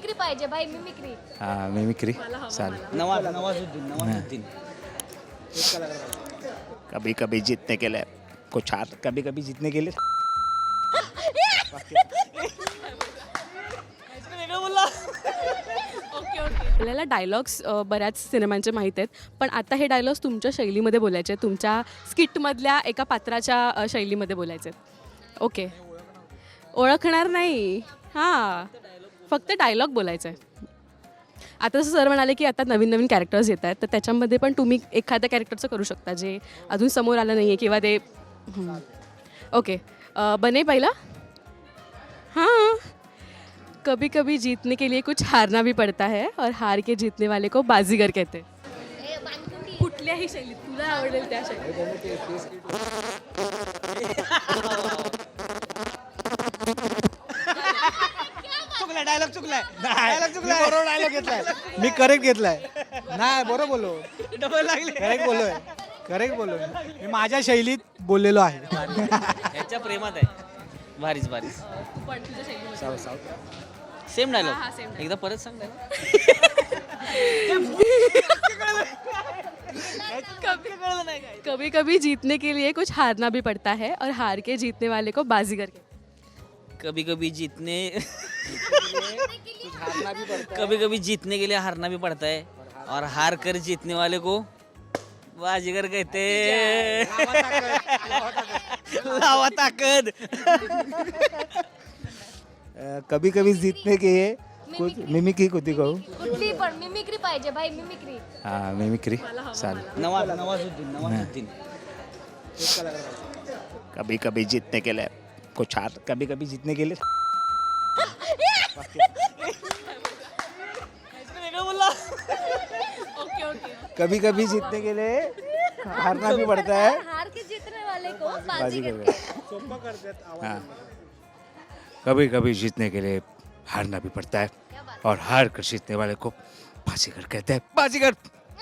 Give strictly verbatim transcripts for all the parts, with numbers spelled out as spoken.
Mimicry पाहिजे भाई, mimicry. हाँ मिमिक्री चालेल. नवाज नवाजुद्दीन नवाजुद्दीन कभी कभी जीतने के लिए कुछ हार, कभी कभी जीतने के लिए आपल्याला डायलॉग्स बऱ्याच सिनेमांचे माहीत आहेत, पण आता हे डायलॉग्स तुमच्या शैलीमध्ये बोलायचे आहेत, तुमच्या स्किटमधल्या एका पात्राच्या अ, शैलीमध्ये बोलायचे आहेत. ओके, ओळखणार नाही. हां, फक्त डायलॉग बोलायचं आहे. आता जसं सर म्हणाले की आता नवीन नवीन कॅरेक्टर्स येत आहेत, तर त्याच्यामध्ये पण तुम्ही एखाद्या कॅरेक्टरचं करू शकता जे अजून समोर आलं नाही आहे किंवा ते हं. ओके, अ, बने पहिला. हाँ, कभी कभी जीतने के लिए कुछ हारना भी पड़ता है और हार के जीतने वाले को बाजीगर कहते हैं. कुठल्याही शैलीत तुला आवडेल त्या शैलीत. चुकलाय डायलॉग चुकलाय डायलॉग चुकलाय बरोबर डायलॉग घेतलाय मी करेक्ट घेतलाय नाही बरोबर बोललो डबल लागले करेक्ट बोललोय करेक्ट बोललोय मी माझ्या शैलीत बोललेलो आहे. याच्या प्रेमात आहे. भारीच भारीच पण तुझ्या शैलीमध्ये सेम हा, हा, same डायलॉग dialogue. एकदा परत सांग dialogue. कभी कभी जीतने के लिए कुछ हारना भी पड़ता है और हार के जीतने वाले को बाजीगर कहते हैं. कभी कभी जीतने कभी कभी जीतने के लिए हारना भी पड़ता है और हार कर जीतने वाले को बाजीगर कहते हैं. लावा ताकद. कभी कभी जीतने के लिए कुछ मिमिक्री कुठे कहू. कुठली पण मिमिक्री पाहिजे भाई, मिमिक्री. हाँ मिमिक्री चालेल. नवाज नवाजुद्दीन नवाजुद्दीन कभी कभी जीतने के लिए कुछ हार, कभी कभी जीतने के लिए ओके ओके. कभी कभी जीतने के लिए हारना भी पड़ता है. हार के जीतने वाले को बाजी बाजीगर. कर हाँ, कभी कभी जीतने के लिए हारना भी पड़ता है और हार कर जीतने वाले को बाजीगर कहते हैं. बाजीगर.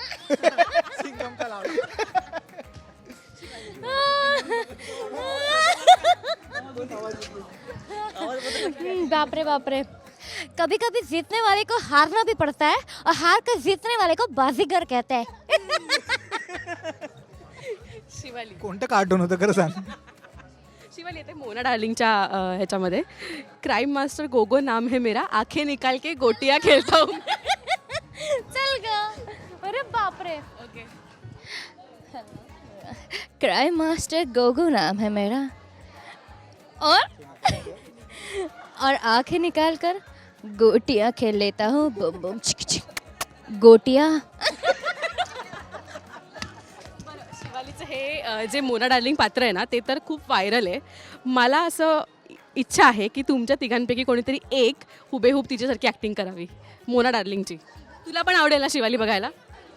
बाप रे बाप रे. कभी कभी जीतने वाले को हारना भी पड़ता है और हार कर जीतने वाले को बाजीगर कहते हैं. शिवाली कोणतं कार्टून होतं खरं सांग. शिवाली येते मोना डार्लिंगच्या अ, ह्याच्यामध्ये क्राईम मास्टर गोगो नाम है मेरा, आंखें निकाल के गोटियां खेलता हूँ. चल ग. अरे बाप रे. ओके. क्राइम मास्टर गोगो नाम है मेरा और और आंखें निकाल कर गोटियां खेल लेता हूँ. बम बम चिक चिक. गोटियां. शिवालीचं हे अ, जे मोना डार्लिंग पात्र आहे ना ते तर खूप व्हायरल आहे. मला असं इच्छा आहे की तुमच्या तिघांपैकी कोणीतरी एक हुबेहूब तिच्यासारखी ॲक्टिंग करावी मोना डार्लिंगची. तुला पण आवडेल ना शिवाली बघायला?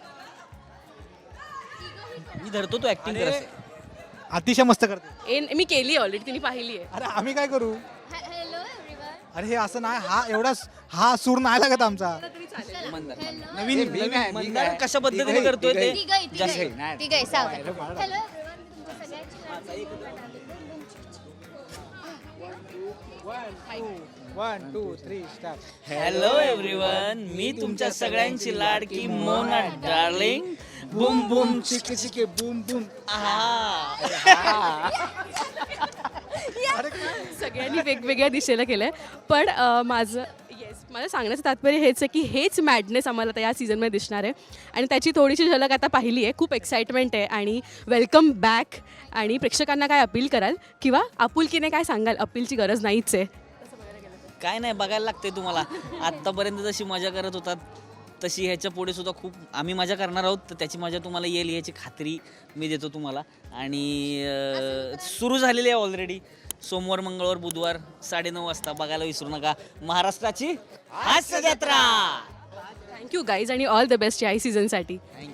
मी धरतो तो ऍक्टिंग कर. अतिशय मस्त करते. ए मी केली ऑलरेडी, तिने पाहिली आहे. अरे आम्ही काय करू. Hello everyone. अरे हे असं नाही हा एवढा हा सूर नाही लागत आमचा. नवीन नवीन मंदार कशा पद्धतीने करतोय ते तिघही जास्त तिघही तिघही सावधान. Hello everyone. तुमचं सगळ्यांची one two three start. Hello everyone, मी तुमच्या सगळ्यांची लाडकी मोना डार्लिंग. बुम बुम चिके चिके बूम बूम. सगळ्यांनी वेगवेगळ्या दिशेला केलं आहे. पण अ, माझं येस माझं सांगण्याचं तात्पर्य हेच आहे की हेच मॅडनेस आम्हाला आता या सीझनमध्ये दिसणार आहे आणि त्याची थोडीशी झलक आता पाहिली आहे. खूप एक्साइटमेंट आहे आणि वेलकम बॅक. आणि प्रेक्षकांना काय अपील कराल किंवा आपुलकीने काय सांगाल? अपीलची गरज नाहीच आहे. काय नाही, बघायला लागते तुम्हाला. आत्तापर्यंत जशी मजा करत होतात तशी ह्याच्या पुढे सुद्धा खूप आम्ही मजा करणार आहोत, तर त्याची मजा तुम्हाला येईल याची खात्री मी देतो तुम्हाला. आणि अं, सुरू झालेली आहे ऑलरेडी. सोमवार मंगळवार बुधवार साडेनऊ वाजता बघायला विसरू नका महाराष्ट्राची हास्य जत्रा. थँक्यू गाईज आणि ऑल द बेस्ट या सीझनसाठी. थँक्यू.